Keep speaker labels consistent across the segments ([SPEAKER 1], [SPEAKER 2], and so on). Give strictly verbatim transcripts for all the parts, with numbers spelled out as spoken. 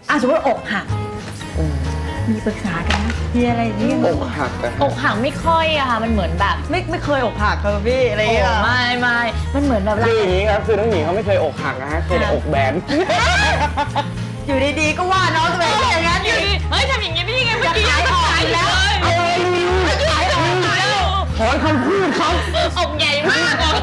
[SPEAKER 1] อ่ะสมมติอกหักมีปรึกษากันนะมีอะไรอย่างนี้
[SPEAKER 2] อกหักนะ
[SPEAKER 3] อกหักไม่ค่อยอะค่ะมันเหมือนแบบ
[SPEAKER 1] ไม่ไม่เคยอกหักเลยพี่อะไรอย่าง
[SPEAKER 3] โอ้
[SPEAKER 1] เงี้ย
[SPEAKER 3] ไม่ไม่มันเหมือนแบบ
[SPEAKER 2] คืออย่างนี้ครับคือน้องหญิงเขาไม่เคยอกหักนะฮะเคยแต่อกแบน
[SPEAKER 1] อยู่ดีๆก็ว่าน้องตัวเองอย่างนั้น
[SPEAKER 3] อยู่ดีเฮ้ยทำอย่างนี้ได้ยังไงเมื่อกี้
[SPEAKER 1] ขายออกอีกแล้ว
[SPEAKER 3] ขายออกแล้ว
[SPEAKER 2] ถอนคำพูดเขา
[SPEAKER 3] อกใหญ่มากเลย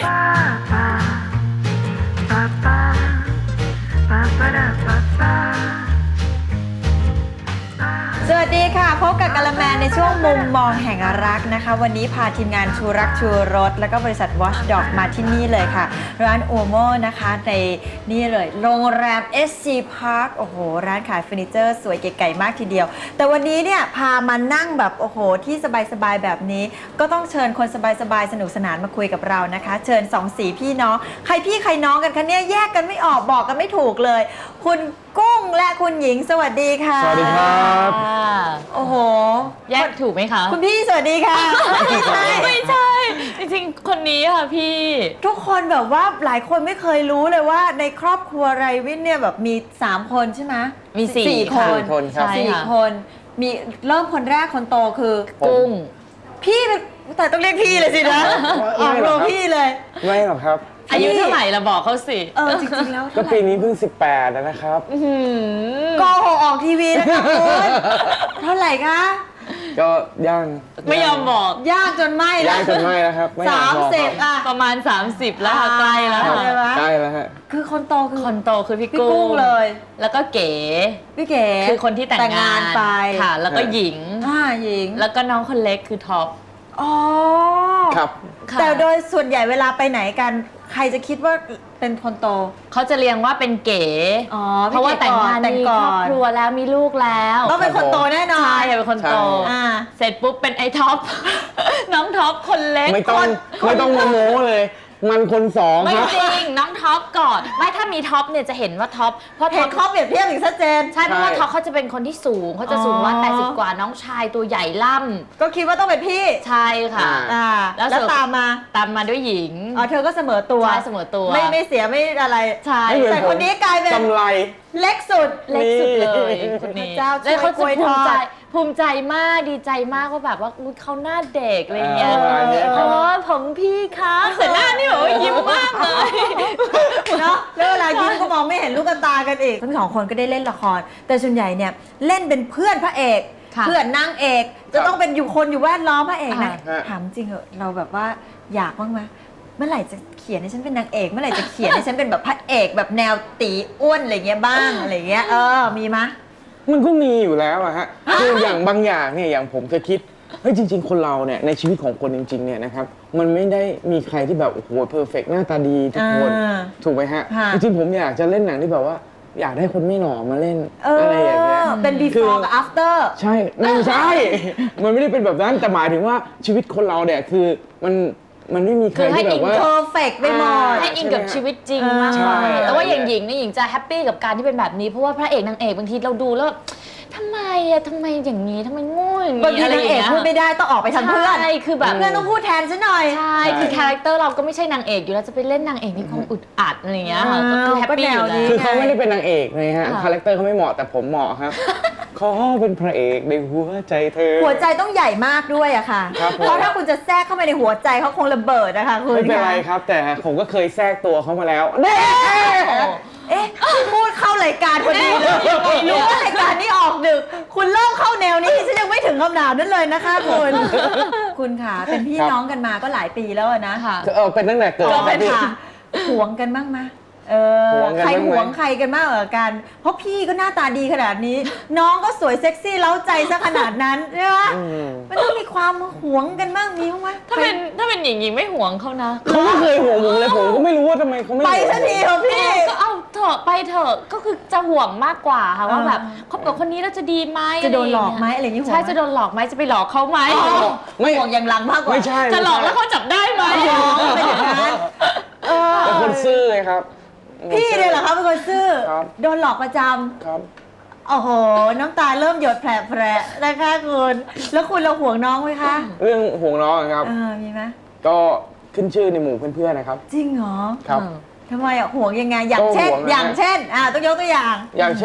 [SPEAKER 1] สวัสดีค่ะพบกับกะละแมในช่วงมุมมองแห่งรักนะคะวันนี้พาทีมงานชูรักชูรสแล้วก็บริษัท Watchdog มาที่นี่เลยค่ะร้านโอโมนะคะในนี่เลยโรงแรม เอส ซี Park โอ้โหร้านขายเฟอร์นิเจอร์สวยเก๋ๆมากทีเดียวแต่วันนี้เนี่ยพามานั่งแบบโอ้โหที่สบายๆแบบนี้ก็ต้องเชิญคนสบายๆสนุกสนานมาคุยกับเรานะคะเชิญสองสีพี่น้องใครพี่ใครน้องกันคะเนี่ยแยกกันไม่ออกบอกกันไม่ถูกเลยคุณกุ้งและคุณหญิงสวัสดีค่ะ
[SPEAKER 2] สวัสดีครับ
[SPEAKER 1] โอ้โห
[SPEAKER 3] แยกถูกไหมคะ
[SPEAKER 1] คุณพี่สวัสดีค่ะ ไม่ใช่
[SPEAKER 3] ไม่ใช่ จริงๆ คนนี้ค่ะพี่
[SPEAKER 1] ทุกคนแบบว่าหลายคนไม่เคยรู้เลยว่าในครอบครัวไรวินเนี่ยแบบมีสามคนใช่ไหม
[SPEAKER 3] มีสี่
[SPEAKER 1] สี่ค
[SPEAKER 3] ค่ะ
[SPEAKER 1] น
[SPEAKER 2] สี่คนครับ
[SPEAKER 3] ใช่
[SPEAKER 1] สี่
[SPEAKER 3] ค่ะ
[SPEAKER 1] คนมีเริ่มคนแรกคนโตคือ
[SPEAKER 3] กุ้ง
[SPEAKER 1] พี่เป็นแต่ต้องเรียกพี่เลยสินะออกโรงพี่เลย
[SPEAKER 2] ไม่หรอกครับ
[SPEAKER 3] อายุเท่าไหร่ละบอกเขาสิ
[SPEAKER 1] เออจริงๆแล้ว
[SPEAKER 2] ก็
[SPEAKER 1] เท่าไห
[SPEAKER 2] ปี
[SPEAKER 1] ร่
[SPEAKER 2] นี้เพิ่งสิบแปดแล้วนะครับ
[SPEAKER 3] อื้อหือ
[SPEAKER 1] โกหกออกทีวีนะคะคุณเท่าไหร่คะ
[SPEAKER 2] ก็ย่าง
[SPEAKER 3] ไม่ยอมบอก
[SPEAKER 1] ยากจนไม่
[SPEAKER 2] ย่า
[SPEAKER 1] แล้ว
[SPEAKER 2] งจนไม่แล้วครับไม่อย
[SPEAKER 1] สาก ม
[SPEAKER 2] บอก
[SPEAKER 1] สิบ
[SPEAKER 2] ครับ
[SPEAKER 1] อ่ะ
[SPEAKER 3] ประมาณ สามสิบ แล้วค่ะใกล้แล้ว
[SPEAKER 2] ครับ
[SPEAKER 3] ค่ะ
[SPEAKER 1] ใช่ไหม
[SPEAKER 2] ใกล้แล้วฮะ
[SPEAKER 1] คือคนโตคือ
[SPEAKER 3] คนโตคือพี่
[SPEAKER 1] พี่
[SPEAKER 3] กุ้
[SPEAKER 1] กุ้งเลย
[SPEAKER 3] แล้วก็เก๋
[SPEAKER 1] พี่เก๋
[SPEAKER 3] คือคนที่แต่งงาน
[SPEAKER 1] ไป
[SPEAKER 3] ค่ะ แล้วก็หญิง
[SPEAKER 1] อ่าหญิง
[SPEAKER 3] แล้วก็น้องคนเล็กคือท็อป
[SPEAKER 1] อ๋อ
[SPEAKER 2] ครับ
[SPEAKER 3] ค่ะ
[SPEAKER 1] แต่โดยส่วนใหญ่เวลาไปไหนกัน ใครจะคิดว่าเป็นคนโต
[SPEAKER 3] เขาจะเรียงว่าเป็นเก๋
[SPEAKER 1] อ๋อ
[SPEAKER 3] เพราะว่าแต่งงาน
[SPEAKER 1] แต่ง
[SPEAKER 3] มี
[SPEAKER 1] ก่
[SPEAKER 3] คร
[SPEAKER 1] อ
[SPEAKER 3] อบ
[SPEAKER 1] น
[SPEAKER 3] ครัวแล้วมีลูกแล้ว
[SPEAKER 1] ต้องเป็นคนโตแน่นอน
[SPEAKER 3] ใช่เป็นคนโต
[SPEAKER 2] ใช่
[SPEAKER 1] อ่า
[SPEAKER 3] เสร็จปุ๊บเป็นไอ้ท็อป น้องท็อปคนเล็ก
[SPEAKER 2] ไม่ต้อง
[SPEAKER 3] คน
[SPEAKER 2] ไม่ต้องโมโม้เลย มันคนสอง
[SPEAKER 3] ไม่
[SPEAKER 2] ครับ
[SPEAKER 3] จริงน้องท็อปก่อนไม่ถ้ามีท็อปเนี่ยจะเห็นว่าท็อปเพราะ
[SPEAKER 1] เห็
[SPEAKER 3] ท็อน ป
[SPEAKER 1] ข้อเปรียบเทียบอย่างชัดเจน
[SPEAKER 3] ใช่เพราะว่า
[SPEAKER 2] ใช่
[SPEAKER 3] ท็อปเขาจะเป็นคนที่สูงเขาจะสูงว่า
[SPEAKER 1] อ๋อ
[SPEAKER 3] แปดสิบกว่าน้องชายตัวใหญ่ล่ำ
[SPEAKER 1] ก็คิดว่าต้องเป็นพี่
[SPEAKER 3] ใช่ค่ะ
[SPEAKER 1] อ่า
[SPEAKER 3] แล้ว
[SPEAKER 1] แล้ว
[SPEAKER 3] เสริม
[SPEAKER 1] ตามมา
[SPEAKER 3] ตามมาด้วยหญิง
[SPEAKER 1] อ๋อเธอก็เสมอตัว
[SPEAKER 3] ใช่เสมอตัว
[SPEAKER 1] ไม่ไม่เสียไม่อะไร
[SPEAKER 3] ใช่
[SPEAKER 2] ไม่เหมือ
[SPEAKER 1] แต่คนนี้กลายเป็น
[SPEAKER 2] กำไร
[SPEAKER 1] เล็กสุด
[SPEAKER 3] เล็กสุดเลยคน
[SPEAKER 1] พ
[SPEAKER 3] นี้
[SPEAKER 1] ระเจ้าช่วย
[SPEAKER 3] แล้วเขาจะ
[SPEAKER 1] กล้วย
[SPEAKER 3] ภูมิใจ
[SPEAKER 1] ทอด
[SPEAKER 3] ภูมิใจมากดีใจมากว่าแบบว่าอุ๊ยเขาหน้าเด็กอะไรเงี้ย
[SPEAKER 2] เอออะไรเงี้ย
[SPEAKER 3] เออผมพี่คะแต่หน้านี่แบบว่ายิ้มมากเลย
[SPEAKER 1] เนาะแล้วเวลายิ้มก็มองไม่เห็นลูกตากันอีกทั้งสองคนก็ได้เล่นละคร แต่ส่วนใหญ่เนี่ยเล่นเป็นเพื่อนพระเอก
[SPEAKER 3] ค่ะ
[SPEAKER 1] เพื่อนนางเอก จะต้องเป็นอยู่คนอยู่แวดล้อมพระเอกนะ
[SPEAKER 2] อ่า
[SPEAKER 1] ถามจริงเหอะเราแบบว่าอยากบ้างไหมเมื่อไหร่จะเขียนให้ฉันเป็นนางเอกเมื่อไหร่จะเขียนให้ฉันเป็นแบบพระเอกแบบแนวตีอ้วนอะไรเงี้ยบ้างอะไรเงี้ยเออมีมะ
[SPEAKER 2] มันก็มีอยู่แล้วอะฮะคืออย่างบางอย่างเนี่ยอย่างผมจะคิดเฮ้ยจริง ๆ คนเราเนี่ยในชีวิตของคนจริงๆเนี่ยนะครับมันไม่ได้มีใครที่แบบโอ้โหเพอร์เฟกหน้าตาดีทุกคน
[SPEAKER 1] อ่า
[SPEAKER 2] ถูกไหมฮะ
[SPEAKER 1] ค่ะ
[SPEAKER 2] จริงๆผมอยากจะเล่นหนังที่แบบว่า อยากได้คนไม่หล่อมาเล่น
[SPEAKER 1] เอ
[SPEAKER 2] อะไรอย่างเงี้ย
[SPEAKER 1] อเป็น before กับ after
[SPEAKER 2] ใช่ไม่ใช่ มันไม่ได้เป็นแบบนั้นแต่หมายถึงว่าชีวิตคนเราเนี่ยคือมันมันไม่มีใคร
[SPEAKER 3] คือให้
[SPEAKER 2] ที่แบบว่า
[SPEAKER 1] perfect ไปหมด
[SPEAKER 3] ให้อินกับชีวิตจริงมาก
[SPEAKER 2] ใช่
[SPEAKER 3] กว่าแต่ว่าอย่างหญิงนี่หญิงจะแฮปปี้กับการที่เป็นแบบนี้เพราะว่าพระเอกนางเอกบางทีเราดูแล้วทำไมอะทำไมอย่างนี้ทำไมโง่อย่าง
[SPEAKER 1] บาง
[SPEAKER 3] นี้
[SPEAKER 1] ที
[SPEAKER 3] อะไร
[SPEAKER 1] นาง
[SPEAKER 3] อย่าง
[SPEAKER 1] เอก
[SPEAKER 3] เงี้ย
[SPEAKER 1] พูดไม่ได้ต้องออกไปทำเพื่อน
[SPEAKER 3] ใช่คือแบบ
[SPEAKER 1] เพื่อนต้องพูดแทนฉันหน่อย
[SPEAKER 3] ใช่คือคาแรคเตอร์เราก็ไม่ใช่นางเอกอยู่แล้วจะไปเล่นนางเอกนี่คงอึดอัดอะไรอย่างเงี้ยค่ะก็คือแฮปปี้อยู่
[SPEAKER 1] ก็แนวนี้
[SPEAKER 3] แล้ว
[SPEAKER 2] คือเขาไม่ได้เป็นนางเอกเลยฮะ
[SPEAKER 3] ค่ะ
[SPEAKER 2] คาแรคเตอร์เขาไม่เหมาะแต่ผมเหมาะครับ เขาเป็นพระเอกในหัวใจเธอ
[SPEAKER 1] หัวใจต้องใหญ่มากด้วยอะค่ะ
[SPEAKER 2] ครับผม
[SPEAKER 1] เพราะถ้าคุณจะแทรกเข้าไปในหัวใจเขาคงระเบิดนะคะคุณ
[SPEAKER 2] ไม่เป็นไร
[SPEAKER 1] ค่ะ
[SPEAKER 2] ครับ แต่ผมก็เคยแทรกตัวเขามาแล้วเน่
[SPEAKER 1] เอ๊ะพูดเข้ารายการพอดีเลยรู้ว่ารายการนี้ออกดึก คุณเริ่มเข้าแนวนี้ฉันยังไม่ถึงคำถามนั้นเลยนะคะคุณ คุณค่ะเป็นพี่น้องกันมาก็หลายปีแล้วอะนะ
[SPEAKER 3] ค่ะ
[SPEAKER 2] เออเป็นตั้งแต่เกิด
[SPEAKER 1] ก็
[SPEAKER 2] ค
[SPEAKER 1] เป็
[SPEAKER 2] รับ
[SPEAKER 1] น
[SPEAKER 2] พี่
[SPEAKER 1] ค่ะหวงกันบ้างไหมเออ
[SPEAKER 2] หวงกัน
[SPEAKER 1] ใคร
[SPEAKER 2] บ้างไหม
[SPEAKER 1] หวงใครกันมากกว่ากัน เพราะพี่ก็หน้าตาดีขนาดนี้ น้องก็สวยเซ็กซี่เล้าใจซะขนาดนั้นใช่ไหม
[SPEAKER 2] อืม
[SPEAKER 1] มันต้องมีความหวงกันบ้างมีบ้างไหม
[SPEAKER 3] ถ้าเป็นถ้าเป็นหญิงหญิงไม่ห่วงเขานะ
[SPEAKER 2] เขาไม่เคยห่วงผมเลยผมก็ไม่รู้ว่าทำไมเขาไม่
[SPEAKER 1] ไป
[SPEAKER 2] ห่วง
[SPEAKER 1] สักทีเถอะพี่
[SPEAKER 3] ก็เอาเถอะไปเถอะก็คือจะห่วงมากกว่าค่ะว่า
[SPEAKER 1] อ่า
[SPEAKER 3] แบบคบกับคนนี้แล้วจะดีไหม
[SPEAKER 1] จะโดนหลอกไหมอะไรอย่างนี้ห่วง
[SPEAKER 3] ใช่
[SPEAKER 1] ไหม
[SPEAKER 3] จะโดนหลอกไหมจะไปหลอกเขาไหม
[SPEAKER 2] ไม่
[SPEAKER 1] ห่วงอย่างหลังมากกว่า
[SPEAKER 2] ไม่ใช่
[SPEAKER 3] จะหลอกแล้วเขาจับได้ไหม
[SPEAKER 1] อ๋อเป็นอย่างนั้นเออ
[SPEAKER 2] เป็นคนซื่อไงครับ
[SPEAKER 1] พี่เนี่ยเหรอคะเป็นคนซื่อ
[SPEAKER 2] ครับ
[SPEAKER 1] โดนหลอกประจำ
[SPEAKER 2] ครับ
[SPEAKER 1] โอ้โห น้ำตาเริ่มหยดแผลๆนะคะคุณ แล้วคุณเราห่วงน้องไหมคะ
[SPEAKER 2] เรื่องห่วงน้องอะครับ
[SPEAKER 1] เออมีไหม
[SPEAKER 2] ก็ขึ้นชื่อในหมู่เพื่อนๆนะครับ
[SPEAKER 1] จริงเหรอ
[SPEAKER 2] ครับ
[SPEAKER 1] ทำไมอ่ะห่วงยังไง อย่างเช่น
[SPEAKER 2] ก็ห่วงนะ
[SPEAKER 1] อย่างเช่น อ่าต้องยกตัวอย่าง
[SPEAKER 2] อย่างเช่น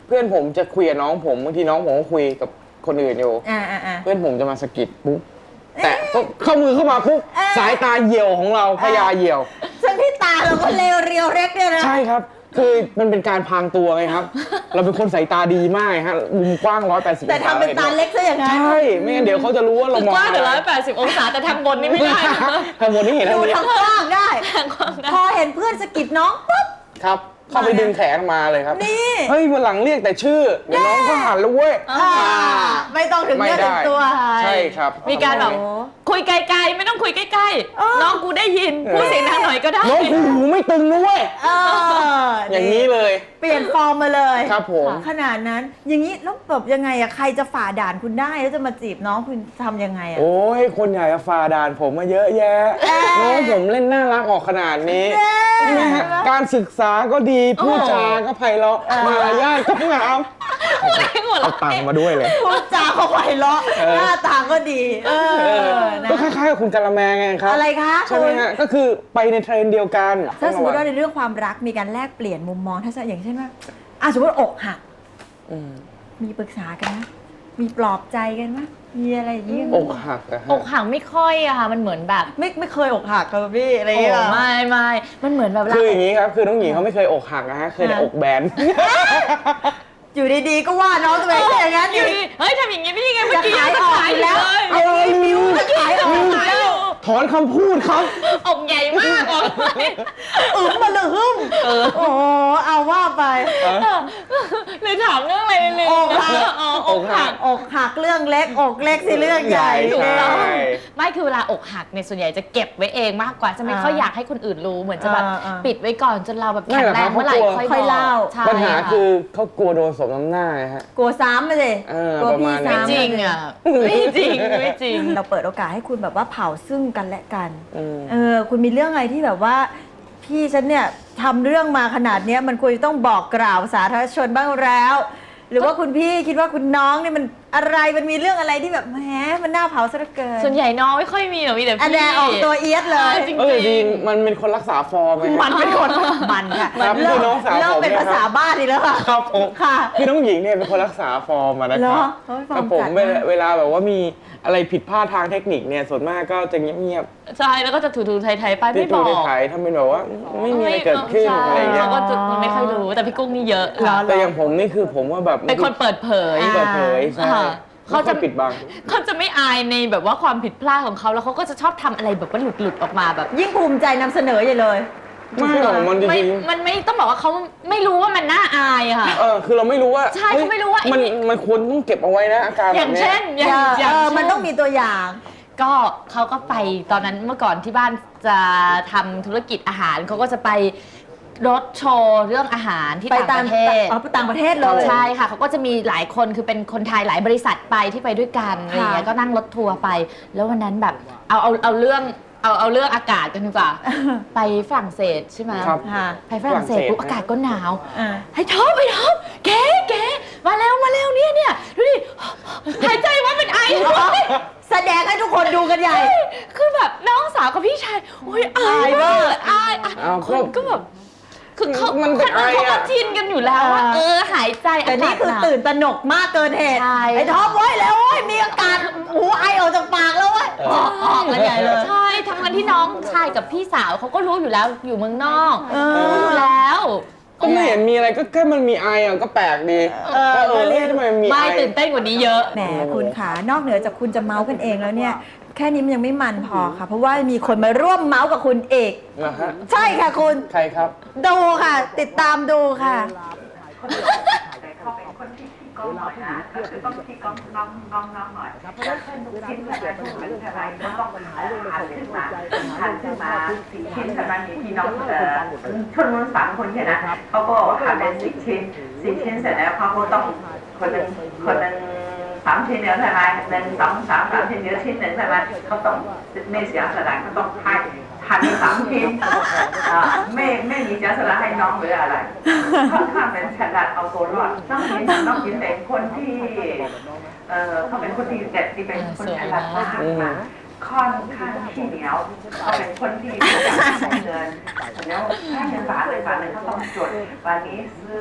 [SPEAKER 2] เพื่อนผมจะคุยกับน้องผมบางทีน้องผมก็คุยกับคนอื่นอยู่
[SPEAKER 1] อ่าอ่าอ่า
[SPEAKER 2] เพื่อนผมจะมาสะกิดปุ๊บแต่ก็เข้ามือเข้ามาปุ๊บสายตาเหี่ยวของเราพยาเหี่ยว
[SPEAKER 1] ซึ่งที่ตาเราก็เลวเรียวเล็กเนี่ยนะ
[SPEAKER 2] ใช่ครับ คือมันเป็นการพรางตัวไงครับ เราเป็นคนสายตาดีมากฮะมุมกว้างร้อยแปดสิบ
[SPEAKER 1] แต่ทำเป็นตาเล็กซะอย่างนั้น
[SPEAKER 2] ใช่ ไม่งั้นเดี๋ยวเขาจะรู้ว่าเรา
[SPEAKER 3] คือ
[SPEAKER 2] มอง
[SPEAKER 3] กว้างถึง
[SPEAKER 2] อะ
[SPEAKER 3] ร้
[SPEAKER 2] ไร
[SPEAKER 3] อยแปดสิบองศาแต่ทางบนนี่ไม่ได้นะ
[SPEAKER 2] ทางบนนี่เห็น
[SPEAKER 1] ดู
[SPEAKER 2] ทางนี้
[SPEAKER 1] ทางกว้างได้ พอเห็นเพื่อนสะกิดน้องปุ๊บ
[SPEAKER 2] ครับ เข้าไปดึงแขนมาเลยครับ
[SPEAKER 1] นี่
[SPEAKER 2] เฮ้ยวันหลังเรียกแต่ชื่อ เดี๋ยวน้องก็หันแล้วเว้ย
[SPEAKER 1] อ่าไม่ต้องถึง
[SPEAKER 2] ไม่
[SPEAKER 1] เนื้อถึ
[SPEAKER 2] ได้
[SPEAKER 1] งตัว
[SPEAKER 2] ใช่ครับ
[SPEAKER 3] มีการแบบ
[SPEAKER 1] โอ้
[SPEAKER 3] คุยไกลๆ ไม่ต้องคุยใกล้
[SPEAKER 1] เออ
[SPEAKER 3] ๆ น้องกูได้ยินพูดเสียงดังหน่อยก็ได้
[SPEAKER 2] น้องกูหูไม่ตึงนะเว้ย
[SPEAKER 1] เออ
[SPEAKER 2] อย่างนี้เลย
[SPEAKER 1] เปลี่ยนฟอร์มมาเลย
[SPEAKER 2] ครับผม
[SPEAKER 1] ขนาดนั้น อย่างนี้แล้วแบบยังไงอะใครจะฝ่าด่านคุณได้แล้วจะมาจีบน้องคุณทำยังไงอะ
[SPEAKER 2] โอ้ย คนอยากจะฝ่าด่านผมมาเยอะแยะ น้องผมเล่นน่ารักออกขนาดนี้ใช่ไหมฮะการศึกษาก็ดี พูดจาก็ไพเราะมารยาทก็งาม
[SPEAKER 3] พูดเองหมด
[SPEAKER 2] เอาตังค์มาด้วยเลย
[SPEAKER 1] พูดจาเขาไพเราะ
[SPEAKER 2] เออ
[SPEAKER 1] หน้าตาก็ดี เออนะ
[SPEAKER 2] ก็คล้ายๆกับคุณกะละแมไงครับ
[SPEAKER 1] อะไรคะ
[SPEAKER 2] ใช่ไหมฮะ ก็คือไปในเทรนด์เดียวกัน
[SPEAKER 1] ถ้าสมมติว่าในเรื่องความรักมีการแลกเปลี่ยนมุมมองถ้าอย่างเช่นว่าอ่ะสมมติอกหัก
[SPEAKER 2] อืม
[SPEAKER 1] มีปรึกษากันไหมมีปลอบใจกันไหมมีอะไรอย่างนี้
[SPEAKER 2] อกหักอะฮะ
[SPEAKER 3] อกหักไม่ค่อยอะค่ะ มันเหมือนแบบ
[SPEAKER 1] ไม่ไม่เคยอกหักกับพี่อะไรอย่าง
[SPEAKER 3] โอ้
[SPEAKER 1] เงี้ย
[SPEAKER 3] ไม่ไม่มันเหมือนแบบ
[SPEAKER 2] คืออย่างนี้ครับ คือน้องหญิงเขาไม่เคยอกหักนะฮะ เคยแต่อกแบน
[SPEAKER 1] อยู่ดีๆก็ว่าน้องตัวเองซะอย่างนั้น
[SPEAKER 3] อ
[SPEAKER 1] อยู่ ยู่
[SPEAKER 3] ดีเฮ้ยทำอย่างงี้ไม่ได้ไงเมื่อกี้
[SPEAKER 1] จะขาย
[SPEAKER 3] จะ
[SPEAKER 1] ออก
[SPEAKER 3] ขาย
[SPEAKER 1] อยู่แล้ว
[SPEAKER 3] เลย
[SPEAKER 2] เอาเลยมิว
[SPEAKER 1] ขายออก
[SPEAKER 3] ขายอยู่
[SPEAKER 2] ถอนคำพูดครับ
[SPEAKER 3] อกใหญ่มากออกไป
[SPEAKER 1] อึมมาเลยหึ่มโอ้โหเอาว่าไป
[SPEAKER 3] หรือถามเรื่องอะไรเลย
[SPEAKER 1] อกหัก
[SPEAKER 3] อ๋ออกหัก
[SPEAKER 1] อกหักเรื่องเล็กอกเล็กสิเรื่องใหญ่
[SPEAKER 3] ถูกต้อง
[SPEAKER 2] ใช่
[SPEAKER 3] ไม่คือเวลาอกหักเนี่ยส่วนใหญ่จะเก็บไว้เองมากกว่าจะไม่
[SPEAKER 1] อ่า
[SPEAKER 3] ค่อยอยากให้คนอื่นรู้เหมือนจะแบบ
[SPEAKER 1] อ่าอ่า
[SPEAKER 3] ปิดไว้ก่อนจนเราแบบ
[SPEAKER 2] ไม่
[SPEAKER 3] แข็ง
[SPEAKER 2] หรอก
[SPEAKER 3] แร
[SPEAKER 2] ครั
[SPEAKER 3] ง
[SPEAKER 2] บ
[SPEAKER 3] เมื่อไหร่
[SPEAKER 2] เขากลัว
[SPEAKER 3] ค่อย
[SPEAKER 1] ค่อย
[SPEAKER 3] บ
[SPEAKER 1] เล่า
[SPEAKER 3] อกใช่
[SPEAKER 2] ปัญหา
[SPEAKER 3] ะ
[SPEAKER 2] คือเขากลัวโดนสมน้ำหน้าไงฮะ
[SPEAKER 1] กลัวซ้ำมาเลย
[SPEAKER 2] เออ
[SPEAKER 1] กลัว
[SPEAKER 2] ประ
[SPEAKER 1] พี่
[SPEAKER 2] มาณนั้น
[SPEAKER 1] ซ้ำ
[SPEAKER 3] จริงอ่ะไม่จริงไม่จริง
[SPEAKER 1] เราเปิดโอกาสให้คุณแบบว่าเผาซึ่งกันและกัน
[SPEAKER 2] อืม
[SPEAKER 1] เออคุณมีเรื่องอะไรที่แบบว่า พี่ฉันเนี่ยทำเรื่องมาขนาดเนี้ยมันควรจะต้องบอกกล่าวสาธารณชนบ้างแล้ว หรือว่าคุณพี่คิดว่าคุณน้องเนี่ยมันอะไรมันมีเรื่องอะไรที่แบบแหมมันน่าเผาซะเหลือเกิน
[SPEAKER 3] ส่วนใหญ่น้องไม่ค่อยมีหรอกมีแต่พี่
[SPEAKER 1] อันแดออกตัวเอียดเลย
[SPEAKER 3] จริง
[SPEAKER 2] เออ
[SPEAKER 3] จ
[SPEAKER 2] ดี
[SPEAKER 3] ริง
[SPEAKER 2] มันเป็นคนรักษาฟอร์มไง
[SPEAKER 1] มันเป็นคนมันค่ะ
[SPEAKER 2] ครับ
[SPEAKER 1] เริ่
[SPEAKER 2] คือ
[SPEAKER 1] ม
[SPEAKER 2] น้องสาว
[SPEAKER 1] เริ่ม
[SPEAKER 2] ผม
[SPEAKER 1] เป็น
[SPEAKER 2] เนี่ย
[SPEAKER 1] ภาษาบ้านอีกแล้วค่ะ
[SPEAKER 2] ครับผม
[SPEAKER 1] ค่ะ
[SPEAKER 2] คือน้องหญิงเนี่ยเป็นคนรักษาฟอร์มอะนะค
[SPEAKER 1] เหร
[SPEAKER 2] รั
[SPEAKER 1] อบ เฮ้ยฟอร์ม
[SPEAKER 2] แต่ผม
[SPEAKER 1] จัด
[SPEAKER 2] เวลาม
[SPEAKER 1] าก
[SPEAKER 2] เวลาแบบว่ามีอะไรผิดพลาดทางเทคนิคเนี่ยส่วนมากก็จะเงียบ
[SPEAKER 3] ใช่แล้วก็จะถูๆไทยๆไป
[SPEAKER 2] ๆ
[SPEAKER 3] ไม่
[SPEAKER 2] ที่
[SPEAKER 3] บ
[SPEAKER 2] ดู
[SPEAKER 3] อก
[SPEAKER 2] ในถ่ายทำเป็นแบบว่าไม่มีอะไรเกิดขึ้น
[SPEAKER 3] ใช่
[SPEAKER 2] อะไรเงี้ย
[SPEAKER 3] เขาก็จะไม่ค่อยรู้แต่พี่กุ้งนี่เยอะค่ะ
[SPEAKER 2] แต่อย่างผมนี่คือผมว่าแบบ
[SPEAKER 3] เป็นคนเปิดเผย
[SPEAKER 1] อ่า
[SPEAKER 2] เปิดเผยใช่
[SPEAKER 3] อ่า
[SPEAKER 2] เขาจะปิดบัง
[SPEAKER 3] เขาจะไม่อายในแบบว่าความผิดพลาดของเขาแล้วเขาก็จะชอบทำอะไรแบบว่าหลุดหลุดๆออกมาแบบ
[SPEAKER 1] ยิ่งภูมิใจนำเสนอใหญ่เลย
[SPEAKER 2] ไม่หรอกมันจ
[SPEAKER 3] ไม่
[SPEAKER 2] ริง
[SPEAKER 3] มันไม่ต้องบอกว่าเขาไม่รู้ว่ามันน่าอายอะค่ะ
[SPEAKER 2] ๆเออคือเราไม่รู้ว่า
[SPEAKER 3] ใช่เขาไม่รู้ว่า
[SPEAKER 2] มัน
[SPEAKER 3] ไอ้นี่
[SPEAKER 2] มันควรต้องเก็บเอาไว้นะอาการ
[SPEAKER 3] อ
[SPEAKER 2] แบ
[SPEAKER 3] ย่าง
[SPEAKER 2] บเนี้ย
[SPEAKER 3] เช่นอย่าง
[SPEAKER 1] เออ
[SPEAKER 3] อย่าง
[SPEAKER 1] เออ
[SPEAKER 3] เช่
[SPEAKER 1] มันต้องมีตัวอย่าง
[SPEAKER 3] ก็เขาก็ไปตอนนั้นเมื่อก่อนที่บ้านจะทำธุรกิจอาหารเขาก็จะไปรถโชว์เรื่องอาหารที่
[SPEAKER 1] ไป
[SPEAKER 3] ต่าง
[SPEAKER 1] ตาม
[SPEAKER 3] ประเทศ
[SPEAKER 1] อ๋อไปต่างประเทศเลย
[SPEAKER 3] ใช่ค่ะเขาก็จะมีหลายคนคือเป็นคนไทยหลายบริษัทไปที่ไปด้วยกันอะไรอย่างเงี้ยก็นั่งรถทัวร์ไป แล้ววันนั้นแบบเอาเอาเอาเรื่องเอาเอาเรื่องอากาศกันดีกว่า ไปฝรั่งเศสใช่ไหม
[SPEAKER 2] ครับ
[SPEAKER 1] ค่ะ
[SPEAKER 3] ไปฝรั่งเศสปุ๊บอากาศก็หนาว
[SPEAKER 1] อ่า
[SPEAKER 3] ให้ท็อปไปท็อปแกแกมาแล้วมาแล้วเนี่ยเนี่ยดูดิหายใจว่าเป็นไอ
[SPEAKER 1] แสดงให้ทุกคนดูกันใหญ่
[SPEAKER 3] คือแบบน้องสาวกับพี่ชายโอ้ยอายมากเลยอายอ่ะ
[SPEAKER 2] อ้าว
[SPEAKER 3] คนก็แบบคือเขา
[SPEAKER 2] มันเป็นไอ
[SPEAKER 3] เขาก็
[SPEAKER 2] อ่ะ
[SPEAKER 3] ชินกันอยู่แล้วว่า
[SPEAKER 1] เออ
[SPEAKER 3] เออหายใจ
[SPEAKER 1] แต่นี่คือตื่นตระหนกมากเกินเหตุ
[SPEAKER 3] ใช่
[SPEAKER 1] ไอ้ท็อปเว้ยแล้วเว้ยมีอากาศหูไอออกจากปากแล้วเว้ยออกออกกันใหญ่เลย
[SPEAKER 3] ใช่ทั้งนั้นที่น้องชายกับพี่สาวเขาก็รู้อยู่แล้วอยู่เมืองนอก
[SPEAKER 1] เออ
[SPEAKER 3] รู้อยู่แล้ว
[SPEAKER 2] ก็ไม่เห็นมีอะไรก็แค่มันมีไออ่ะก็แปลกดี
[SPEAKER 1] เออ
[SPEAKER 2] ก็เออ
[SPEAKER 1] ก็เรี
[SPEAKER 2] เรี
[SPEAKER 1] ย
[SPEAKER 2] ย
[SPEAKER 1] ก
[SPEAKER 2] กทำไมมี
[SPEAKER 3] ไม่
[SPEAKER 2] ไอ
[SPEAKER 3] ตื่นเต้นกว่านี้เยอะ
[SPEAKER 1] แหมคุณขานอกเหนือจากคุณจะเมาส์กันเองแล้วเนี่ย แค่นี้มันยังไม่มันพอค่ะ เพราะว่ามีคนมาร่วมเมาส์กับคุณเอก
[SPEAKER 2] นะฮะ
[SPEAKER 1] ใช่ค่ะคุณ
[SPEAKER 2] ใครครับ
[SPEAKER 1] ดูค่ะ ติดตามดูค่ะ
[SPEAKER 4] แต่เขาเป็นคนที่ขี้กล้องหน่อยนะก็คือต้องขี้กล้องน้องน้องน้องหน่อยแล้วเช่นทุกชิ้นอะไรทุกชิ้นอะไรก็ต้องหันขึ้นมาหันขึ้นมาสี่ชิ้นแต่มันมีพี่น้องเอ่อชนวนสามคนเนี่ยนะเขาก็หันเป็นสี่ชิ้นสี่ชิ้นเสร็จแล้วเขาก็ต้องคนหนึ่งคนหนึ่งสามชิ้นเดียวใช่ไหมหนึ่งสองสามสามชิ้นเดียวชิ้นหนึ่งใช่ไหมเขาต้องไม่เสียสละเขาต้องให้หันสามชิ้นอ่าไม่ไม่มีเสียสละให้น้องหรืออะไร ค่อนข้างเป็นฉลาดเอาตัวรอดน้องยินน้องยินเป็นคนที่เออเขาเป็นคนที่เด็ดที่เป็นคนฉลาดมากมาค่อนข้างขี้เหนียวเขาเป็นคนที่ไม่อยากใช้เงินแล้วถ้าเงินบาทเลยบาทเลยเขาต้องจดวันนี้ซื้อ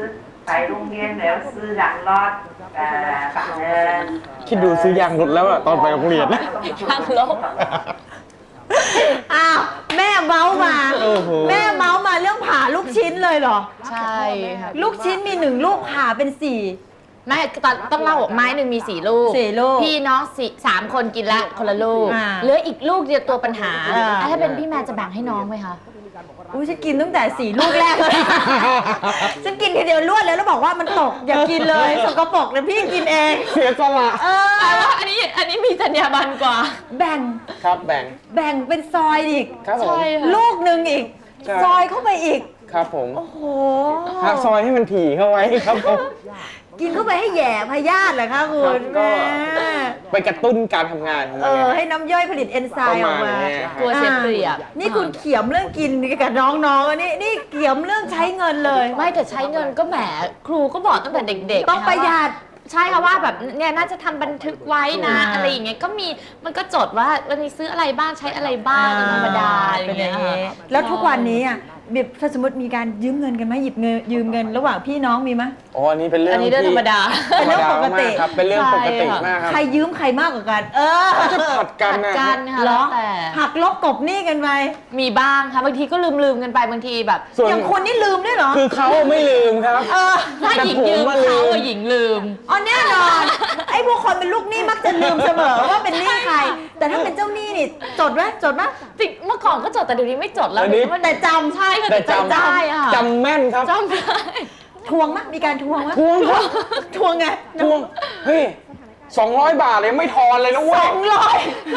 [SPEAKER 4] ไปโรงเรียนแล้วซื้อหลังรถเอ่อเดิน
[SPEAKER 2] คิดดูซื้อยางรถแล้วอะตอนไปโรงเรียน
[SPEAKER 3] ทางลบ
[SPEAKER 1] อ้าวแม่เมาส์มา
[SPEAKER 2] โอ้โห
[SPEAKER 1] แม่เมาส์มาเรื่องผ่าลูกชิ้นเลยเหรอ
[SPEAKER 3] ใช่ค่ะ
[SPEAKER 1] ลูกชิ้นมีหนึ่งลูกผ่าเป็นสี่
[SPEAKER 3] ไม่ตอนต้องเล่าไม้หนึ่งมีสี่ลูก
[SPEAKER 1] สี่ลูก
[SPEAKER 3] พี่น้องสี่สามคนกินละคนละลูก
[SPEAKER 1] อ่า
[SPEAKER 3] เหลืออีกลูกเดียวตัวปัญหา
[SPEAKER 1] อ่า
[SPEAKER 3] อ่ะถ้าเป็นพี่แมนจะแบ่งให้น้องไหมคะ
[SPEAKER 1] อุ้ยฉันกินตั้งแต่สี่ลูกแรกเลย ฉันกินทีเดียวรวดเลยแล้วบอกว่ามันตกอย่ากินเลยสกปรกเลยพี่กินเอง
[SPEAKER 2] เสียสละ
[SPEAKER 1] เออ
[SPEAKER 3] แต่ว่าอันนี้อันนี้มีจรรยาบรรณกว่า
[SPEAKER 1] แบ่ง
[SPEAKER 2] ครับแบ่ง
[SPEAKER 1] แบ่งเป็นซอยอีก
[SPEAKER 2] ครับผม
[SPEAKER 3] ใช่ค่ะ
[SPEAKER 1] ลูกหนึ่งอีก
[SPEAKER 2] ใช่
[SPEAKER 1] ซอยเข้าไปอีก
[SPEAKER 2] ครับผม
[SPEAKER 1] โอ้โห
[SPEAKER 2] ฮะซอยให้มันถี่เข้าไว้ครับผม
[SPEAKER 1] กินเข้าไปให้แหย่พยาธิเหรอคะคุ
[SPEAKER 2] ครั
[SPEAKER 1] ณ
[SPEAKER 2] บก็
[SPEAKER 1] แม่
[SPEAKER 2] ไปกระตุ้นการทำงานของ
[SPEAKER 1] เอ
[SPEAKER 2] มัน
[SPEAKER 1] อ
[SPEAKER 2] ไง
[SPEAKER 1] ให้น้ำย่อยผลิตเอนไซม์ออกมา
[SPEAKER 2] ประมาณนี้
[SPEAKER 3] กลัวเสียเปรียบ
[SPEAKER 1] อ่านี่คุณเขียมเรื่องกินกับน้องๆอันนี้นี่เขียมเรื่องใช้เงินเลย
[SPEAKER 3] ไม่แต่ใช้เงินก็แหมครูก็บอกตั้งแต่เด็กๆ
[SPEAKER 1] ต้อง
[SPEAKER 3] นค
[SPEAKER 1] ประหยัด
[SPEAKER 3] ว่าใช่ค่ะว่าแบบเนี่ยน่าจะทำบันทึกไว้นะ
[SPEAKER 1] อ่า
[SPEAKER 3] อะไรอย่างเงี้ยก็มีมันก็จดว่าวันนี้ซื้ออะไรบ้างใช้อะไรบ้างเป็นธรรมดาอะไรอย่างเงี้ย
[SPEAKER 1] เป็นอย่างงี้
[SPEAKER 3] ค่ะ
[SPEAKER 1] แล้วทุกวันนี้อ่ะแบบถ้าสมมติมีการยืมเงินกันไหมหยิบเงินยืมเงินระหว่างพี่น้องมีไหม
[SPEAKER 2] อ๋ออันนี้เป็นเรื่อง
[SPEAKER 3] อันนี้เรื่องธรรมดา
[SPEAKER 2] ธรรมดา
[SPEAKER 1] เป็นเรื่องปกติ
[SPEAKER 2] มากครับเป็นเรื่องปกติมากครับ
[SPEAKER 1] ใครยืมใครมากกว่ากัน เออ
[SPEAKER 2] จะผัดกันนะ
[SPEAKER 3] กันค่ะ
[SPEAKER 1] เหร
[SPEAKER 3] แล้
[SPEAKER 1] อ
[SPEAKER 3] วแต่
[SPEAKER 1] หักลบกบหนี้กันไป
[SPEAKER 3] มีบ้างค่ะบางทีก็ลืมลืมๆกันไปบางทีแบบ
[SPEAKER 2] ส่วน
[SPEAKER 1] อย่างคุณนี่ลืมด้วยเหรอ
[SPEAKER 2] คือเขาไม่ลืมครับ
[SPEAKER 1] เออ
[SPEAKER 3] ถ้าหญิง
[SPEAKER 2] แต่ผม
[SPEAKER 3] ยืม
[SPEAKER 2] ว่าลืม
[SPEAKER 3] เขาอะหญิงลืม
[SPEAKER 1] อ๋อแน่นอน ไอ้พวกคนเป็นลูกหนี้มักจะลืมเสมอว่าเป็นหนี้ใคร แต่ถ้าเป็นเจ้าหนี้นี่จดไหมจดไหม
[SPEAKER 3] จริงเมื่อก่อนก็จดแต่เดี๋ยวนี้ไม่จดแล้ว
[SPEAKER 2] เดี๋ยวนี้
[SPEAKER 3] เดี๋ยวนี้มัน
[SPEAKER 1] แต่จำ
[SPEAKER 3] ใช่ค่ะ
[SPEAKER 2] แต่
[SPEAKER 3] แต่
[SPEAKER 2] จำ
[SPEAKER 3] จำได้อะ
[SPEAKER 2] จำแม่นครับ
[SPEAKER 3] จำได้
[SPEAKER 1] ทวงมั้ยมีการทวงมั้ย
[SPEAKER 2] ทวงครับ
[SPEAKER 1] ทวงไง
[SPEAKER 2] ทวงเฮ้ยสองร้อยบาทเลยไม่ทอนเลยนะเว้
[SPEAKER 1] ส
[SPEAKER 2] ย
[SPEAKER 1] องร้อย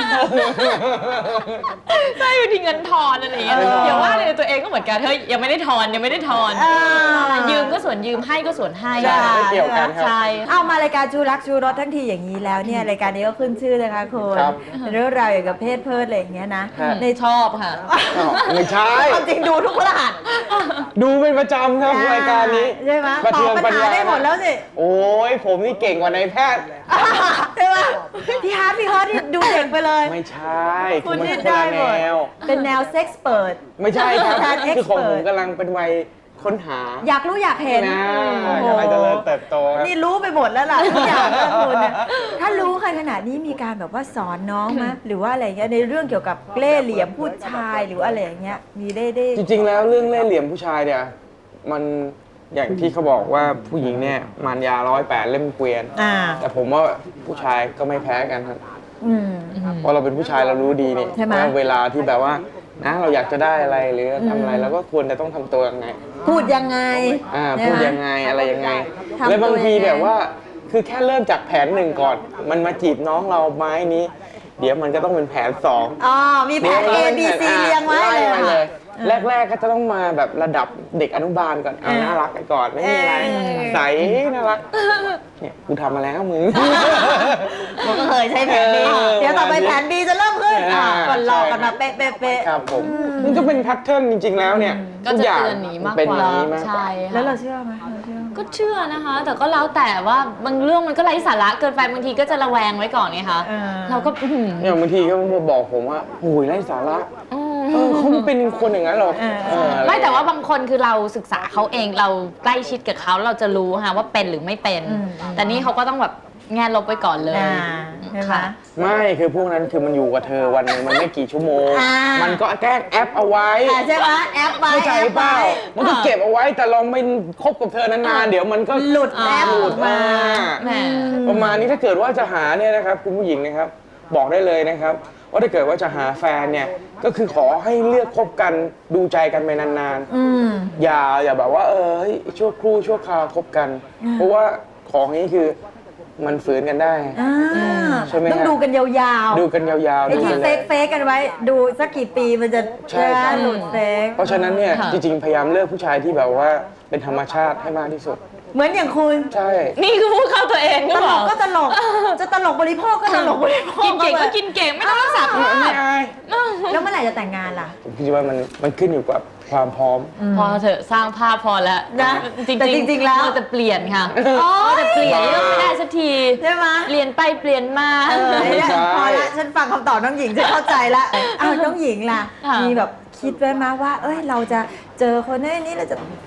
[SPEAKER 3] ใช่บางทีเงินทอนอะไรอย่างเงี้ย
[SPEAKER 1] เออ
[SPEAKER 3] อย่าว่าเลยตัวเองก็เหมือนกันเฮ้ยยังไม่ได้ทอนยังไม่ได้ทอน
[SPEAKER 1] อ่า
[SPEAKER 3] ยืมก็ส่วนยืมให้ก็ส่วนให้
[SPEAKER 2] ใช่ไม่เกี่ยวกันครับ
[SPEAKER 3] ใช่
[SPEAKER 1] เอามารายการชูรักชูรสทั้งทีอย่างนี้แล้วเนี่ยรายการนี้ก็ขึ้นชื่อนะคะคุณ
[SPEAKER 2] ครับ
[SPEAKER 1] เรื่องราวเกี่ยวกับเพศเพิดอะไรอย่างเงี้ยนะ
[SPEAKER 2] ครับ
[SPEAKER 1] ใน
[SPEAKER 3] ชอบค่ะ
[SPEAKER 2] อ้าวไม่ใช่
[SPEAKER 1] ความจริงดูทุกพฤหัส
[SPEAKER 2] ดูเป็นประจำครับรายการนี้
[SPEAKER 1] ใช่ไหม
[SPEAKER 2] ประ
[SPEAKER 1] ตอ
[SPEAKER 2] เทื
[SPEAKER 1] บ
[SPEAKER 2] อง
[SPEAKER 1] ปัญ
[SPEAKER 2] ปัญ
[SPEAKER 1] หา
[SPEAKER 2] ญา
[SPEAKER 1] ได้หมดแล้วสิ
[SPEAKER 2] โอ้ยผมนี่เก่งกว่านายแพทย์
[SPEAKER 1] ใช่ไหมพี่ฮาร์ดพี่ฮอตที่ดูเด็กไปเลย
[SPEAKER 2] ไม่ใช่
[SPEAKER 1] คุณ
[SPEAKER 2] มัน
[SPEAKER 1] นี่
[SPEAKER 2] คน
[SPEAKER 1] ได้
[SPEAKER 2] ละ
[SPEAKER 1] หมด
[SPEAKER 2] แนว
[SPEAKER 1] เป็นแนวเซ็กซ์เปิด
[SPEAKER 2] ไม่ใช่ครับ
[SPEAKER 1] การ
[SPEAKER 2] คือของผม
[SPEAKER 1] expert
[SPEAKER 2] กำลังเป็นวัยค้นหา
[SPEAKER 1] อยากรู้อยากเห็น
[SPEAKER 2] นะ
[SPEAKER 1] โอ้โห
[SPEAKER 2] กำลังเจริญเติบโตครับ
[SPEAKER 1] นี่รู้ไปหมดแล้วล่ะทุกอย่างนะคุณเนี่ยถ้ารู้ขนาดนี้มีการแบบว่าสอนน้องไหมหรือว่าอะไรเงี้ยในเรื่องเกี่ยวกับเล่ห์เหลี่ยมผู้ชายหรืออะไรอย่างเงี้ยมีได้ได้
[SPEAKER 2] จริงๆ แล้วเรื่องเล่ห์เหลี่ยมผู้ชายเนี่ยมันอย่างที่เขาบอกว่าผู้หญิงเนี่ยมารยาร้อยแปดเล่มเกวียน
[SPEAKER 1] อ่า
[SPEAKER 2] แต่ผมว่าผู้ชายก็ไม่แพ้กันครับ
[SPEAKER 1] อืม
[SPEAKER 2] เพราะเราเป็นผู้ชายเรารู้ดีนี่
[SPEAKER 1] ใช่ไหม
[SPEAKER 2] ว่าเวลาที่แบบว่านะเราอยากจะได้อะไรหรือทำอะไรเราก็ควรจะต้องทำตัวยังไง
[SPEAKER 1] พูดยังไง
[SPEAKER 2] อ่า
[SPEAKER 1] ใช่
[SPEAKER 2] พูด
[SPEAKER 1] ไหม
[SPEAKER 2] ยังไงอะไรยังไง
[SPEAKER 1] ทำตัว
[SPEAKER 2] และบางที
[SPEAKER 1] ยังไง
[SPEAKER 2] แบบว่าคือแค่เริ่มจากแผนหนึ่งก่อน มันมาจีบน้องเราไม้นี้ เดี๋ยวมันก็ต้องเป็นแผนสอง
[SPEAKER 1] อ๋อมีแผน A B C เรียงไว้เลย
[SPEAKER 2] ไล่มา
[SPEAKER 1] ค่ะ
[SPEAKER 2] เลย แรก ๆ ก็จะต้องมาแบบระดับเด็กอนุบาลก่อนเอา
[SPEAKER 1] เออ
[SPEAKER 2] น่ารักไปก่อนไม่มีอะไร
[SPEAKER 1] เออ
[SPEAKER 2] ใสน่ารักเนี่ยกูทำมาแล้วมึง
[SPEAKER 1] ผมก็เคยใช้แผน B
[SPEAKER 2] เออ
[SPEAKER 1] เดี๋ยวต่อไปแผน B จะเริ่มขึ้นอ่ะ
[SPEAKER 2] อ่า
[SPEAKER 1] ก่อนหลอกกันมาเป๊ะเป๊ะเป๊ะ
[SPEAKER 2] ครับผมมันก็เป็นแพทเทิร์นจริง ๆ แล้วเนี่ย
[SPEAKER 3] ก็
[SPEAKER 2] ทุ
[SPEAKER 3] จะ
[SPEAKER 2] อย่าง
[SPEAKER 3] เตือนหนีมาก
[SPEAKER 2] เป็น
[SPEAKER 3] ก
[SPEAKER 2] อ
[SPEAKER 3] ว่า
[SPEAKER 2] ย่างนี้มากกว่า
[SPEAKER 3] ใช่ค่ะ
[SPEAKER 1] แล้วเราเชื่อไหมเราเชื่อไหม
[SPEAKER 3] ก็เชื่อนะคะ แต่ก็แล้วแต่ว่าบางเรื่องมันก็ไร้สาระเกินไปบางทีก็จะระแวงไว้ก่อนไงคะ
[SPEAKER 1] เออ
[SPEAKER 3] เราก็อื้อหือ
[SPEAKER 2] เนี่ยบางทีก็มาบอกผมว่าโอ้ยไร้สาระ
[SPEAKER 3] อืม
[SPEAKER 2] เออเขาไม่เป็นคนอย่างนั้นหรอก
[SPEAKER 1] เออ
[SPEAKER 2] เอออะร
[SPEAKER 3] ไม่แต่ว่าบางคนคือเราศึกษาเขาเองเราใกล้ชิดกับเขาเราจะรู้ค่ะว่าเป็นหรือไม่เป็น
[SPEAKER 1] อืม
[SPEAKER 3] แต่นี่เขาก็ต้องแบบแง่ลบไว้ก่อนเลย
[SPEAKER 1] อ่าใช่ไหม
[SPEAKER 3] ค่ะ
[SPEAKER 2] ไม่คือพวกนั้นคือมันอยู่กับเธอวันหนึงมันไม่กี่ชั่วโมง
[SPEAKER 1] อ่ามั
[SPEAKER 2] มันก็แกล้งแอปเอาไว้
[SPEAKER 1] อ่าใช่ไหมแอปไว้
[SPEAKER 2] เข้าใจ
[SPEAKER 1] แอป
[SPEAKER 2] เปล่า
[SPEAKER 1] ไว้
[SPEAKER 2] มันก็เก็บเอาไว้แต่ลองไปคบกับเธอนานๆเดี๋ยวมันก็
[SPEAKER 1] หลุดแอป
[SPEAKER 2] หลุด
[SPEAKER 1] มา
[SPEAKER 3] แหม
[SPEAKER 2] ประมาณนี้ถ้าเกิดว่าจะหาเนี่ยนะครับคุณผู้หญิงนะครับ บอกได้เลยนะครับ ว่าถ้าเกิดว่าจะหาแฟนเนี่ยก็คือขอให้เลือกคบกันดูใจกันไปนาน
[SPEAKER 1] อืม
[SPEAKER 2] ๆอย่าอย่าแบบว่าเออเฮ้ยชั่วครู่ชั่วคราวคบกัน เพราะว่าของนี้คือมันฝืนกันได้
[SPEAKER 1] อ่า
[SPEAKER 2] ใช่ไหม
[SPEAKER 1] ต้อง
[SPEAKER 2] ฮะ
[SPEAKER 1] ดูกันยาว
[SPEAKER 2] ดูกันยาว
[SPEAKER 1] ๆ
[SPEAKER 2] ๆ
[SPEAKER 1] ไอ้
[SPEAKER 2] ดู
[SPEAKER 1] ที่
[SPEAKER 2] กัน
[SPEAKER 1] เฟ
[SPEAKER 2] เลย
[SPEAKER 1] กเฟกกันไว้ ดูสักกี่ปีมันจะ
[SPEAKER 2] ใช่ครับ
[SPEAKER 1] หลุดเฟก
[SPEAKER 2] เพราะฉะนั้นเนี่ย
[SPEAKER 3] ค่ะ
[SPEAKER 2] จริงๆ พยายามเลือกผู้ชายที่แบบว่าเป็นธรรมชาติให้มากที่สุด
[SPEAKER 1] เหมือนอย่างคุณ
[SPEAKER 2] ใช่
[SPEAKER 3] นี่คือพูดเข้าตัวเอง
[SPEAKER 1] ต
[SPEAKER 3] ก็
[SPEAKER 1] ล
[SPEAKER 3] เปล่าก
[SPEAKER 1] ก็ตลก จะตลกบริโภคก็ตลกบริโภค
[SPEAKER 3] กินเก่งก็กินเก่งไม่ต้องรักษาภา
[SPEAKER 2] ไม่
[SPEAKER 3] พ
[SPEAKER 2] อาย
[SPEAKER 1] แล้วเมื่อไหร่จะแต่งงานล่ะ
[SPEAKER 2] ผมคิดว่ามันมันขึ้นอยู่กับความพร้อม
[SPEAKER 3] พอเถอะสร้างภาพพอแล้ว
[SPEAKER 1] นะ
[SPEAKER 3] จริงๆ
[SPEAKER 1] แต่จริงๆแล้ว
[SPEAKER 3] เราจะเปลี่ยนค่ะ
[SPEAKER 1] โอ๊ย
[SPEAKER 3] เราจะเปลี่ยนเรื่องไม่ได้สักที
[SPEAKER 1] ใช่ไหม
[SPEAKER 3] เปลี่ยนไปเปลี่ยนมา
[SPEAKER 1] เออ
[SPEAKER 2] ไม่ใช่
[SPEAKER 1] พอละฉันฟังคำตอบน้องหญิงฉันเข้าใจละอ้าวน้องหญิงล่ะ
[SPEAKER 3] ค่ะ
[SPEAKER 1] มีแบบคิดไว้มาว่า เอ้ยเราจะเจอคนนี้นี้เราจะ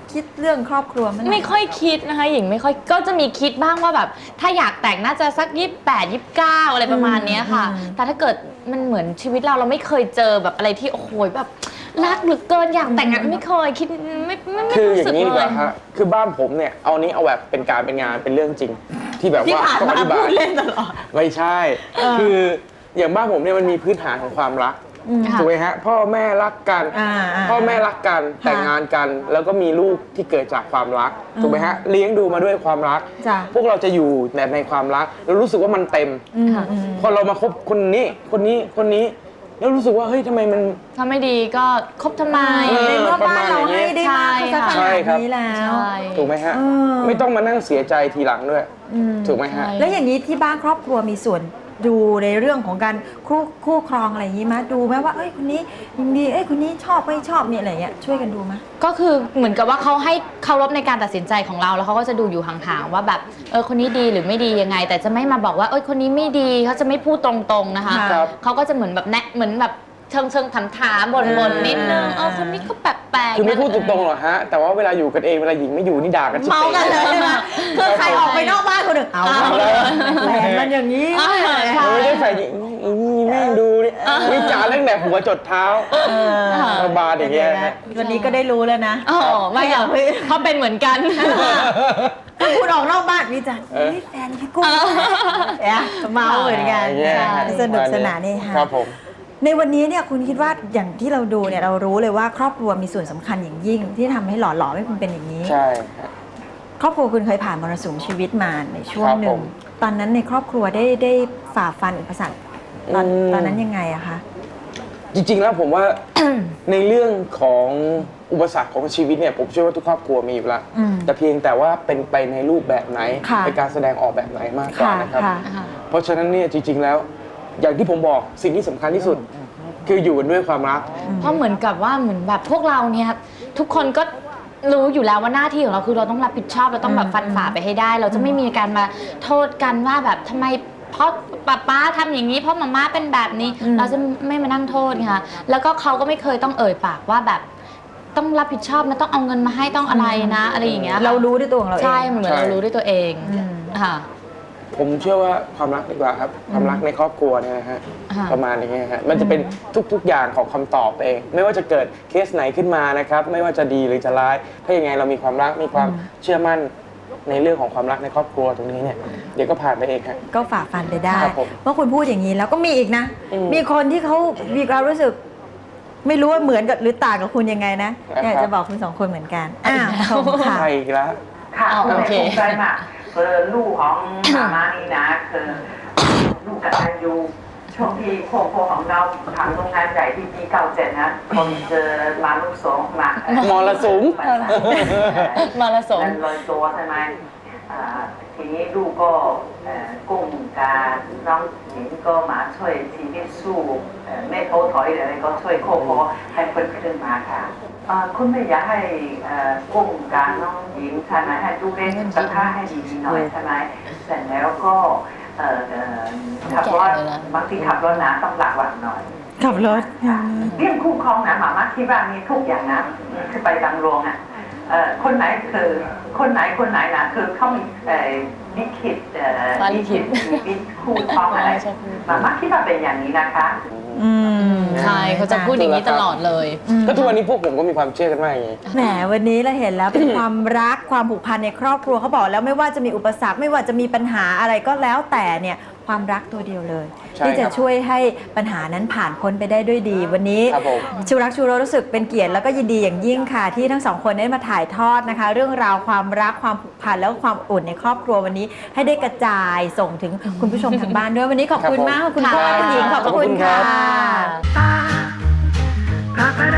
[SPEAKER 1] คิดเรื่องครอบครัวมัน
[SPEAKER 3] ไม่ค่อยคิดนะคะหญิงไม่ค่อยก็จะมีคิดบ้างว่าแบบถ้าอยากแต่งน่าจะสักยี่สิบแปด ยี่สิบเก้าอะไรประมาณเนี้ยค่ะ แต่ถ้าเกิดมันเหมือนชีวิตเราเราไม่เคยเจอแบบอะไรที่โอ้โหแบบรักเหลือเกินอยากแต่งงานไม่เคยคิดไม่ไม่ไม่
[SPEAKER 2] คืออ
[SPEAKER 3] รู้
[SPEAKER 2] ย่า
[SPEAKER 3] สึก
[SPEAKER 2] งนี้ดี
[SPEAKER 3] เล
[SPEAKER 2] กว่าย ฮะคือบ้านผมเนี่ยเอานี้เอาแบบเป็นการเป็นงานเป็นเรื่องจริง ที่แบบ
[SPEAKER 1] ที่
[SPEAKER 2] ว่า
[SPEAKER 1] ผ่าน
[SPEAKER 2] ต้องอ
[SPEAKER 1] มา
[SPEAKER 2] ธิบา
[SPEAKER 1] พู
[SPEAKER 2] ย
[SPEAKER 1] ดเล่นตลอด
[SPEAKER 2] ไม่ใช่ คืออย่างบ้านผมเนี่ยมันมีพื้นฐานของความรัก
[SPEAKER 3] ค่ะ
[SPEAKER 2] ถูกไหมฮะพ่อแม่รักกัน
[SPEAKER 1] อ่าอ่า
[SPEAKER 2] พ่อแม่รักกันแต่งงานกัน แล้วก็มีลูกที่เกิดจากความรักถูกไหมฮะเลี้ยงดูมาด้วยความรัก
[SPEAKER 1] จ้ะ
[SPEAKER 2] พวกเราจะอยู่แต่ในความรักแล้วรู้สึกว่ามันเต็ม
[SPEAKER 1] อืมอืม
[SPEAKER 2] พอเรามาคบคนนี้คนนี้คนนี้แล้วรู้สึกว่าเฮ้ยทำไมมัน
[SPEAKER 3] ถ้าไม่ดีก็คบทำไม
[SPEAKER 2] เออ
[SPEAKER 1] ในเมื่อบ้านเราให้ได้มาก
[SPEAKER 3] ใช่
[SPEAKER 1] เขาจะข
[SPEAKER 2] ใช่
[SPEAKER 1] นาด
[SPEAKER 2] ครับ
[SPEAKER 1] นี้แล้ว
[SPEAKER 3] ใช่
[SPEAKER 2] ถูกไหมฮะ
[SPEAKER 1] เออ
[SPEAKER 2] ไม่ต้องมานั่งเสียใจทีหลังด้วยถูกไหมฮะ
[SPEAKER 3] ใช่
[SPEAKER 1] แล้วอย่างนี้ที่บ้านครอบครัวมีส่วนดูในเรื่องของการคู่คู่ครองอะไรอย่างนี้ไหมดูไหมว่าเอ้ยคนนี้ยินดีเอ้ยคนนี้ชอบไม่ชอบเนี่ยอะไรเงี้ยช่วยกันดูไหม
[SPEAKER 3] ก็คือเหมือนกับว่าเขาให้เคารพในการตัดสินใจของเราแล้วเขาก็จะดูอยู่ห่างๆว่าแบบเออคนนี้ดีหรือไม่ดียังไง แต่จะไม่มาบอกว่าเอ้ยคนนี้ไม่ดีเขาจะไม่พูดตรงๆนะคะ
[SPEAKER 2] ครับ
[SPEAKER 3] เขาก็จะเหมือนแบบแนะเหมือนแบบเชิงเชิงถามถามบ่นบ่นๆนิดนึง
[SPEAKER 1] อ่า
[SPEAKER 3] เออคนนี้ก็แปลกๆ
[SPEAKER 2] คือไม่พูดตรงๆหรอกฮะ แต่ว่าเวลาอยู่กันเองเวลาหญิงไม่อยู่นี่ด่ากันชิบ
[SPEAKER 1] เมากันเลย
[SPEAKER 2] เป๋
[SPEAKER 1] ใช่ไหมคือใครออกไปนอกบ้านคนหนึ่งเอา
[SPEAKER 2] เอาแล้ว
[SPEAKER 1] แฟนมันอย่างนี้
[SPEAKER 3] อ่าใช่
[SPEAKER 2] ไม่ได้แฟนหญิงอีนี่แม่งดูดิวิจารณ์ตั้งแต่หัวจดเท้าระบาดอย่างเงี้ยฮะ
[SPEAKER 1] วันนี้ก็ได้รู้แล้วนะ
[SPEAKER 3] อ๋อไม่หรอกเขาเป็นเหมือนกัน
[SPEAKER 1] ถ้าคุณออกนอกบ้านวิจารณ์
[SPEAKER 2] เออ
[SPEAKER 1] เฮ้ยแฟนพี่กุ้งเนี่ยเมาเหมือนกัน
[SPEAKER 2] อย่างเงี้ยฮะ
[SPEAKER 1] สนุกสนานนี่ค่ะ
[SPEAKER 2] ครับผม
[SPEAKER 1] ในวันนี้เนี่ยคุณคิดว่าอย่างที่เราดูเนี่ยเรารู้เลยว่าครอบครัวมีส่วนสำคัญอย่างยิ่ง ที่ทำให้หล่อหลอมให้คุณเป็นอย่างนี้
[SPEAKER 2] ใช่ฮะ
[SPEAKER 1] ครอบครัวคุณเคยผ่านมรสุมชีวิตมาในช่วง
[SPEAKER 2] ครับ
[SPEAKER 1] หนึ่
[SPEAKER 2] ผ
[SPEAKER 1] ง
[SPEAKER 2] ม
[SPEAKER 1] ตอนนั้นในครอบครัวได้ได้ฝ่าฟันอุปสรรคตอน
[SPEAKER 2] อืม
[SPEAKER 1] ตอนนั้นยังไงอะคะ
[SPEAKER 2] จริงๆแล้วผมว่า ในเรื่องของอุปสรรคของชีวิตเนี่ยผมเชื่อว่าทุกครอบครัวมีอยู่แล้ว
[SPEAKER 1] อืม
[SPEAKER 2] แต่เพียงแต่ว่าเป็นไปในรูปแบบไหน
[SPEAKER 1] ค่ะ
[SPEAKER 2] ในการแสดงออกแบบไหนมากกว่า
[SPEAKER 1] ค่ะ
[SPEAKER 2] นะครับ
[SPEAKER 1] ค่ะ
[SPEAKER 2] เพราะฉะนั้นเนี่ยจริง ๆแล้ว อย่างที่ผมบอกสิ่งที่สำคัญที่สุด คืออยู่กันด้วยความรัก
[SPEAKER 3] เพราะเหมือนกับว่าเหมือนแบบพวกเราเนี่ยทุกคนก็รู้อยู่แล้วว่าหน้าที่ของเราคือเราต้องรับผิดชอบเราต้องแบบฟันฝ่าไปให้ได้ เราจะไม่มีการมาโทษกันว่าแบบทำไมเพราะป้าป้าทำอย่างนี้เพราะมาม่าเป็นแบบนี้
[SPEAKER 1] อืม
[SPEAKER 3] เราจะไม่มานั่งโทษค่ะแล้วก็เขาก็ไม่เคยต้องเอ่ยปากว่าแบบต้องรับผิดชอบนะต้องเอาเงินมาให้ต้องอะไรนะอะไรอย่างเงี้ยค่ะ
[SPEAKER 1] เรารู้ด้วยตัวของเราเอง
[SPEAKER 3] ใช่เหมือน
[SPEAKER 2] ใช่
[SPEAKER 3] เรารู้ด้วยตัวเอง
[SPEAKER 1] อืม
[SPEAKER 3] ค่ะ
[SPEAKER 2] ผมเชื่อว่าความรักดีกว่าครับ ความรักในครอบครัวเนี่ยนะฮะ
[SPEAKER 3] ค่ะ
[SPEAKER 2] ประมาณอย่างเงี้ยฮะมันจะเป็นทุกๆอย่างของคำตอบเอง ไม่ว่าจะเกิดเคสไหนขึ้นมานะครับไม่ว่าจะดีหรือจะร้าย ถ้ายังไงเรามีความรักมีความเชื่อมั่นในเรื่องของความรักในครอบครัวตรงนี้เนี่ยเดี๋ยวก็ผ่านไปเองฮะ
[SPEAKER 1] ก็ฝ่าฟันไปได้
[SPEAKER 2] ครับผม
[SPEAKER 1] เมื่อคุณพูดอย่างนี้แล้วก็มีอีกนะ
[SPEAKER 2] อืม
[SPEAKER 1] มีคนที่เขามีความรู้สึก ไม่รู้ว่าเหมือนกับหรือต่างกับคุณยังไงนะ
[SPEAKER 2] นะครับ
[SPEAKER 1] อยากจะบอกคุณสองคนเหมือนกันอ้าวชมค่ะ
[SPEAKER 2] ใช่อีกแล้ว
[SPEAKER 4] ค่ะ
[SPEAKER 3] อ๋อ
[SPEAKER 4] คุณ
[SPEAKER 3] โอ
[SPEAKER 4] แม่
[SPEAKER 3] เค
[SPEAKER 4] ภูมิใจมากคือลูกของมาม่านี่นะคือลูกกตัญญูช่วงที่โคโคของเราทำโรงงานใหญ่ที่ปีเก้าเจ็ดนะคนเจอมาลูกสองมาม
[SPEAKER 2] รสุม
[SPEAKER 3] มาละสม
[SPEAKER 4] มันลอยตัวใช่ไหมอ่าทีนี้ลูกก็เอ่อกุ้งการน้องหญิงก็มาช่วยชีวิตสู้เอ่อแม่โพถอยอะไรก็ช่วยโคโคให้เพิ่นขึ้นมาค่ะอ่าคุณแม่อยากให้เอ่อกุ้งการน้องหญิงใช่ไหมให้ดูเล่นกระทะให้ดีๆหน่อยใช่ไหมเสร็จแล้วก็เอ่อเอ่อขับรถบางทีขับรถนะต้องหลักหวังหน่อย
[SPEAKER 1] ขับรถ
[SPEAKER 4] เรื่องคู่ครองนะหมาม่าที่บ้านมีทุกอย่างนะคือไปดังโรงอ่ะเอ่อคนไหนคือคนไหนคนไหนนะคือเขามีเอ่อลิขิตเอ่อ
[SPEAKER 3] วันลิ
[SPEAKER 4] ลิ
[SPEAKER 3] ขิ
[SPEAKER 4] ขิ
[SPEAKER 3] ต
[SPEAKER 4] ตชีวิตคู่ครองอะไร
[SPEAKER 3] ใช่ใช่
[SPEAKER 4] หมาม่าคิดว่าเป็นอย่างนี้นะคะ
[SPEAKER 1] อืม
[SPEAKER 3] ใช่เขาจะพูดอย่างนี้ตลอดเลย
[SPEAKER 2] ก็ทุกวันนี้พวกผมก็มีความเชื่อกันมากอย่างนี้
[SPEAKER 1] แหมวันนี้เราเห็นแล้วเป็นความรักความผูกพันในครอบครัวเขาบอกแล้วไม่ว่าจะมีอุปสรรคไม่ว่าจะมีปัญหาอะไรก็แล้วแต่เนี่ยความรักตัวเดียวเลย
[SPEAKER 2] ใช่
[SPEAKER 1] ที่จะ
[SPEAKER 2] ครับ
[SPEAKER 1] ช่วยให้ปัญหานั้นผ่านพ้นไปได้ด้วยดี วันนี้
[SPEAKER 2] ครับผม
[SPEAKER 1] ชูรักชูโรรู้สึกเป็นเกียรติแล้วก็ยินดีอย่างยิ่งค่ะ ที่ทั้งสองคนได้มาถ่ายทอดนะคะ เรื่องราวความรักความผูกพันแล้วก็ความอุ่นในครอบครัววันนี้ ให้ได้กระจายส่งถึงคุณผู้ชมทางบ้านด้วยวันนี้ขอบคุณมากขอบคุณพ่อคุณหญิงขอบพระคุณค่ะ
[SPEAKER 4] Papa